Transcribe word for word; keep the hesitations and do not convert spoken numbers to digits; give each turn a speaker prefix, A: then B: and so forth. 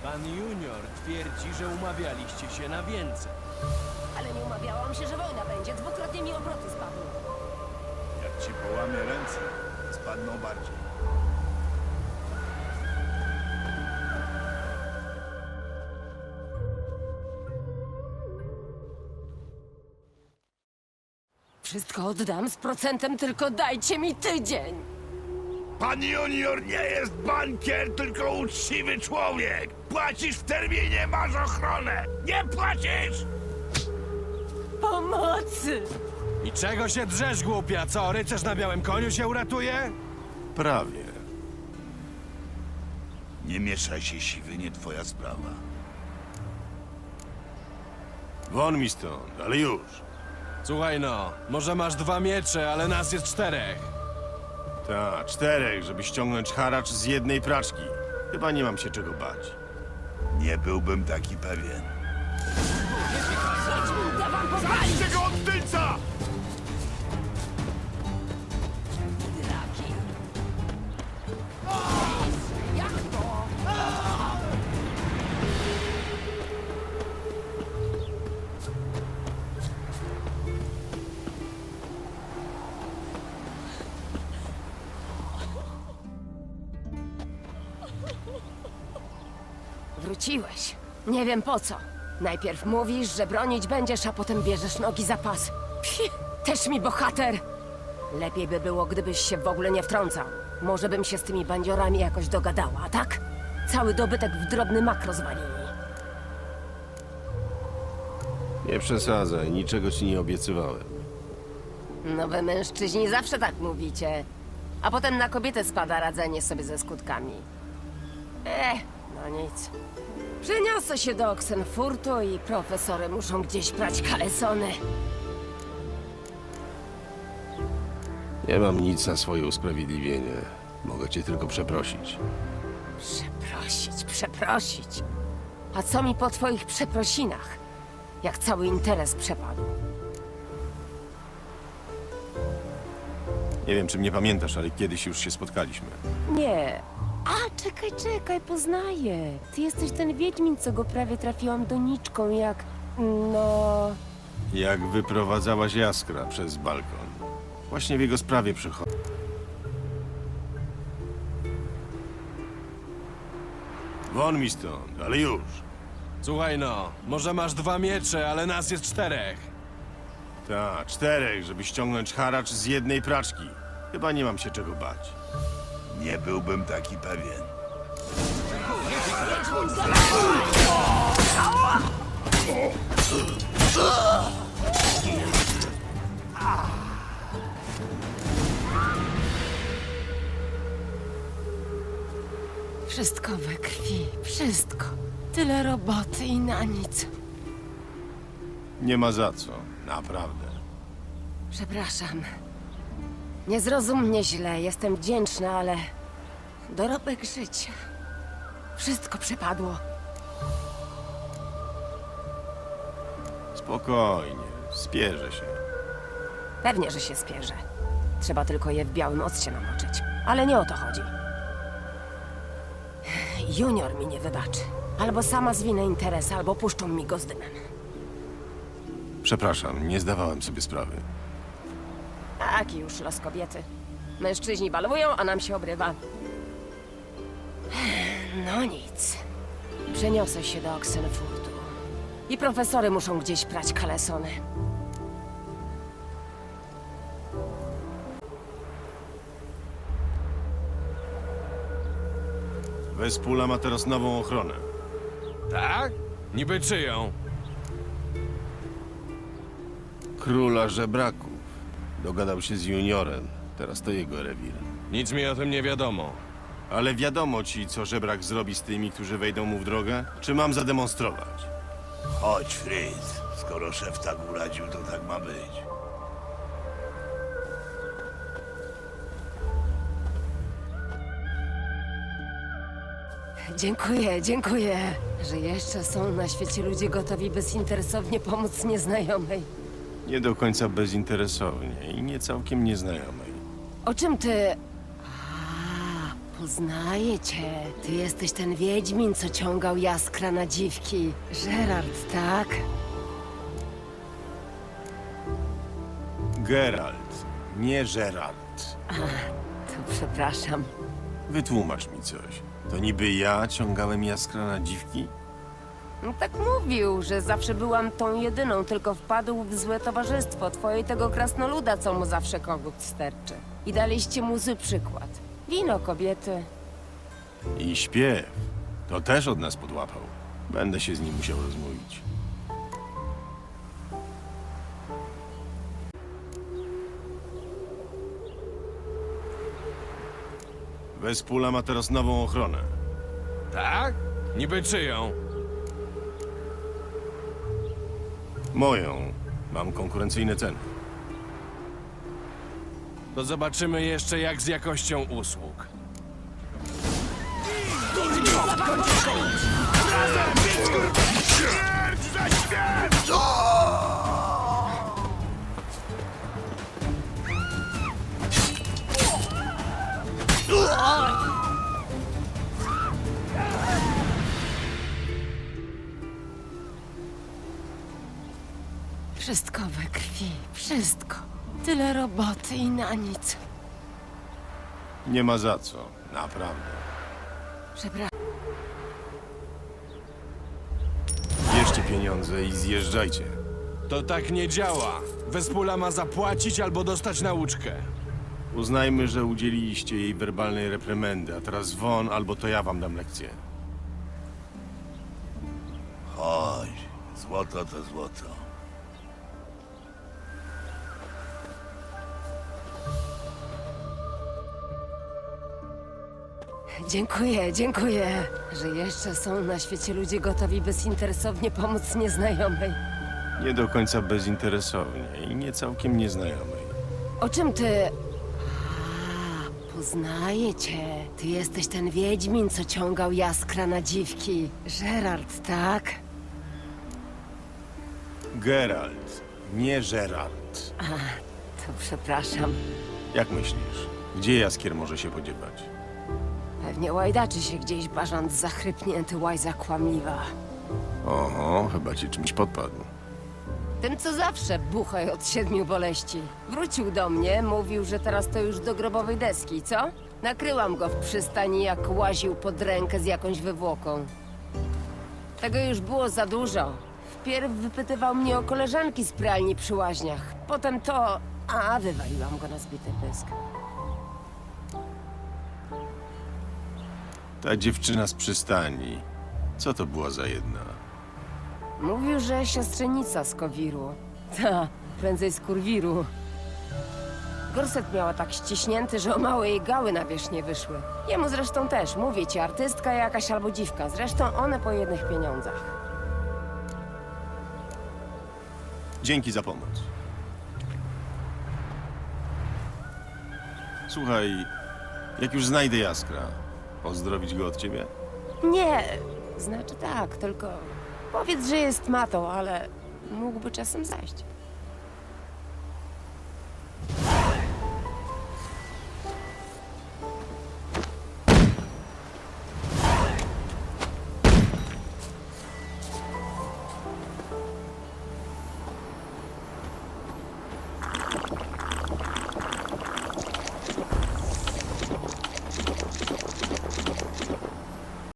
A: Pan Junior twierdzi, że umawialiście się na więcej.
B: Ale nie umawiałam się, że wojna będzie. Dwukrotnie mi obroty spadły.
C: Jak ci połamie ręce, spadną bardziej.
B: Wszystko oddam z procentem, tylko dajcie mi tydzień.
C: Pan Junior nie jest bankier, tylko uczciwy człowiek. Płacisz w terminie, masz ochronę. Nie płacisz!
B: Pomocy!
A: I czego się drzesz, głupia? Co, rycerz na białym koniu się uratuje?
D: Prawie.
C: Nie mieszaj się, siwy, nie twoja sprawa.
D: Won mi stąd, ale już.
A: Słuchaj no, może masz dwa miecze, ale nas jest czterech.
D: Ta, czterech, żeby ściągnąć haracz z jednej praczki. Chyba nie mam się czego bać.
C: Nie byłbym taki pewien.
B: Uda wam powalić!
C: Czego od tylca!
B: Draki! Jak to? Wróciłeś. Nie wiem po co. Najpierw mówisz, że bronić będziesz, a potem bierzesz nogi za pas. Pfi, też mi bohater! Lepiej by było, gdybyś się w ogóle nie wtrącał. Może bym się z tymi bandziorami jakoś dogadała, a tak? Cały dobytek w drobny mak rozwalili.
D: Nie przesadzaj, niczego ci nie obiecywałem.
B: No wy mężczyźni zawsze tak mówicie. A potem na kobietę spada radzenie sobie ze skutkami. Eh, no nic. Przeniosę się do Oxenfurtu i profesory muszą gdzieś prać kalesony.
D: Nie mam nic na swoje usprawiedliwienie. Mogę cię tylko przeprosić.
B: Przeprosić, przeprosić. A co mi po twoich przeprosinach? Jak cały interes przepadł.
D: Nie wiem, czy mnie pamiętasz, ale kiedyś już się spotkaliśmy.
B: Nie. A, czekaj, czekaj, poznaję. Ty jesteś ten wiedźmin, co go prawie trafiłam doniczką, jak... no...
D: Jak wyprowadzałaś Jaskra przez balkon. Właśnie w jego sprawie przychodzę. Won mi stąd, ale już.
A: Słuchaj no, może masz dwa miecze, ale nas jest czterech.
D: Ta, czterech, żeby ściągnąć haracz z jednej praczki. Chyba nie mam się czego bać.
C: Nie byłbym taki pewien.
B: Wszystko we krwi, wszystko. Tyle roboty i na nic.
D: Nie ma za co, naprawdę.
B: Przepraszam. Nie zrozum mnie źle, jestem wdzięczna, ale... dorobek życia. Wszystko przepadło.
D: Spokojnie, spierzę się.
B: Pewnie, że się spierzę. Trzeba tylko je w białym occie namoczyć. Ale nie o to chodzi. Junior mi nie wybaczy. Albo sama zwinę interes, albo puszczą mi go z dymem.
D: Przepraszam, nie zdawałem sobie sprawy.
B: Taki już los kobiety. Mężczyźni balują, a nam się obrywa. No nic. Przeniosę się do Oxenfurtu. I profesory muszą gdzieś prać kalesony.
D: Wespula ma teraz nową ochronę.
A: Tak? Niby czyją?
D: Króla żebraków. Dogadał się z juniorem. Teraz to jego rewir.
A: Nic mi o tym nie wiadomo.
D: Ale wiadomo ci, co żebrak zrobi z tymi, którzy wejdą mu w drogę? Czy mam zademonstrować?
C: Chodź, Fritz. Skoro szef tak uradził, to tak ma być.
B: Dziękuję, dziękuję, że jeszcze są na świecie ludzie gotowi bezinteresownie pomóc nieznajomej.
D: Nie do końca bezinteresownie i nie całkiem nieznajomej.
B: O czym ty... A, poznaję cię. Ty jesteś ten wiedźmin, co ciągał jaskra na dziwki. Geralt, tak?
D: Geralt, nie Geralt.
B: To przepraszam.
D: Wytłumacz mi coś. To niby ja ciągałem jaskra na dziwki?
B: No tak mówił, że zawsze byłam tą jedyną, tylko wpadł w złe towarzystwo twoje i tego krasnoluda, co mu zawsze kogut sterczy. I daliście mu zły przykład. Wino, kobiety.
D: I śpiew. To też od nas podłapał. Będę się z nim musiał rozmówić. Wespula ma teraz nową ochronę.
A: Tak? Niby czyją?
D: Moją. Mam konkurencyjne ceny.
A: To zobaczymy jeszcze jak z jakością usług.
C: Śmierć za śmierć!
B: Wszystko we krwi, wszystko. Tyle roboty i na nic.
D: Nie ma za co. Naprawdę.
B: Przepraszam.
D: Bierzcie pieniądze i zjeżdżajcie.
A: To tak nie działa. Wespula ma zapłacić albo dostać nauczkę.
D: Uznajmy, że udzieliliście jej werbalnej reprymendy, a teraz won, albo to ja wam dam lekcję.
C: Chodź, złoto to złoto.
B: Dziękuję, dziękuję, że jeszcze są na świecie ludzie gotowi bezinteresownie pomóc nieznajomej.
D: Nie do końca bezinteresownie i nie całkiem nieznajomej.
B: O czym ty... A, poznaję cię. Ty jesteś ten wiedźmin, co ciągał jaskra na dziwki. Geralt, tak?
D: Geralt, nie Geralt.
B: To przepraszam.
D: Jak myślisz, gdzie Jaskier może się podziewać?
B: Pewnie łajdaczy się gdzieś bażant zachrypnięty, łajza kłamliwa.
D: Oho, chyba cię czymś podpadł.
B: Tym, co zawsze buchaj od siedmiu boleści. Wrócił do mnie, mówił, że teraz to już do grobowej deski, co? Nakryłam go w przystani, jak łaził pod rękę z jakąś wywłoką. Tego już było za dużo. Wpierw wypytywał mnie o koleżanki z pralni przy łaźniach. Potem to... A, wywaliłam go na zbity pysk.
D: Ta dziewczyna z przystani, co to była za jedna?
B: Mówił, że siostrzenica z Kowiru. Ta, prędzej z Kurwiru. Gorset miała tak ściśnięty, że o małe jej gały na wierzch nie wyszły. Jemu zresztą też, mówię ci, artystka jakaś albo dziwka. Zresztą one po jednych pieniądzach.
D: Dzięki za pomoc. Słuchaj, jak już znajdę Jaskra, pozdrowić go od ciebie?
B: Nie, znaczy tak, tylko powiedz, że jest matą, ale mógłby czasem zajść.